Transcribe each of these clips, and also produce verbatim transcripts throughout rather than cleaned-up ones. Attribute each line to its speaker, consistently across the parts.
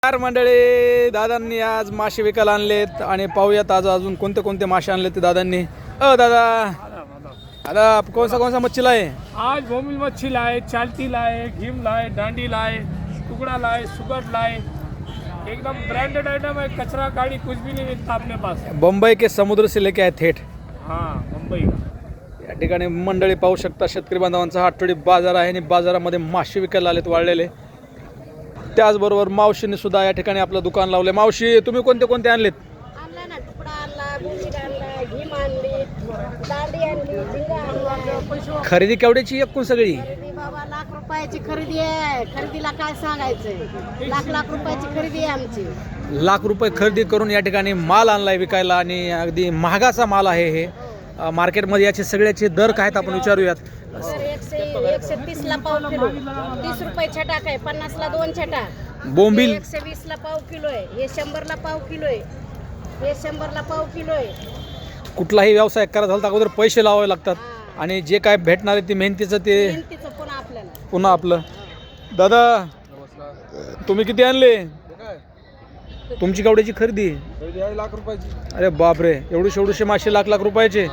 Speaker 1: चार मंडळी दादांनी आज मासे विकायला आणलेत आणि पाहूयात आज अजून कोणते कोणते मासे आणले ते दादांनी। अ दादा दादा कौन सा कौन सा मच्छी लाए?
Speaker 2: आज भूमिल मच्छी लाए, चालती लाए, घीम लाए, डांडी लाए, टुकड़ा लाए, सुगट लाए। एकदम ब्रांडेड आइटम है, कचरा गाड़ी कुछ भी नहीं मिलता अपने पास।
Speaker 1: बंबई के समुद्र से लेके आए थेट।
Speaker 2: हाँ, मुंबई का।
Speaker 1: या ठिकाणी मंडळी पाहू शकता शेतकरी बांधवांचा हा आठवडी बाजार आहे आणि बाजारामध्ये मासे विकायला आलेत वाळलेले। त्याचबरोबर मावशीने सुद्धा या ठिकाणी आपलं दुकान लावले। मावशी तुम्ही कोणते कोणते आणलेत?
Speaker 3: आणला ना, तुकडा आणला, बोंबील आणला, घीम आणली, दांडी आणली, झिंगा आणला।
Speaker 1: खरेदी केवढ्याची एकूण सगळी?
Speaker 3: खरेदी बाबा लाख रुपयाची खरेदी आहे। खरेदीला काय सांगायचंय, लाख लाख रुपयाची खरेदी आहे आमची।
Speaker 1: लाख रुपये खरेदी करून या ठिकाणी माल आणलाय विकायला आणि अगदी महागाचा माल आहे हे। मार्केटमध्ये याचे सगळ्याचे दर काय आहेत आपण विचारूयात।
Speaker 3: तर एकशे एकशे तीस ला पाव किलो, तीस रुपये छटा आहे, पन्नास ला दोन छटा।
Speaker 1: बोंबील
Speaker 3: एकशे वीस ला पाव किलो आहे, हे शंभर ला पाव किलो आहे, हे शंभर ला पाव किलो आहे।
Speaker 1: कुठलाही व्यवसाय करायचा झाला तर अगोदर पैसे लावावे लागतात आणि जे काय भेटणार आहे ते मेहनतीचं ते
Speaker 3: मेहनतीचं पुन्हा आपल्याला
Speaker 1: पुन्हा आपलं। दादा तुम्ही किती आणले? तुमची केवढ्याची खरेदी?
Speaker 2: लाख रुपयाची।
Speaker 1: अरे बापरे, एवढे एवढेशे मासे लाख लाख रुपयाचे।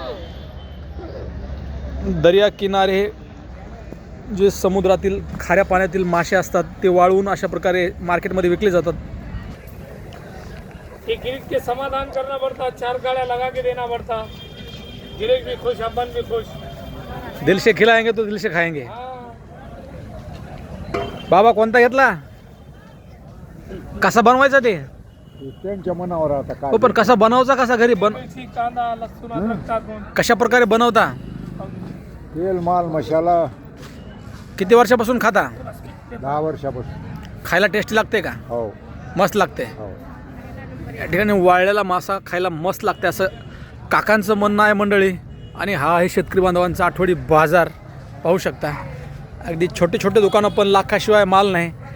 Speaker 1: दर्या किनारे जे समुद्रातील खाऱ्या पाण्यातील मासे असतात ते वाळवून अशा प्रकारे मार्केटमध्ये विकले जातात।
Speaker 2: एक गिरिक के समाधान करना पड़ता, चार गाड़ियाँ लगा के देना पड़ता। गिरिक भी खुश, अपन भी खुश।
Speaker 1: दिल से खिलाएंगे तो दिल से खाएंगे।
Speaker 2: हाँ।
Speaker 1: बाबा कोणता घेतला? कसा बनवायचा ते?
Speaker 4: त्यांच्या मनावर आता काय
Speaker 1: हो पण कसा बनवायचा, कसा घरी बन
Speaker 2: मिर्ची, कांदा, लसूण, अदरक टाकून
Speaker 1: कशा प्रकारे बनवता?
Speaker 4: तेल माल मसाला
Speaker 1: किती वर्षापासून खाता?
Speaker 4: दहा वर्षापासून।
Speaker 1: खायला टेस्टी लागते का?
Speaker 4: हो
Speaker 1: मस्त लागते।
Speaker 4: हो
Speaker 1: या ठिकाणी वाळलेला मासा खायला मस्त लागते असं काकांचं म्हणणं आहे मंडळी। आणि हा आहे शेतकरी बांधवांचा आठवडी बाजार पाहू शकता। अगदी छोटे छोटे दुकानं पण लाखाशिवाय माल नाही।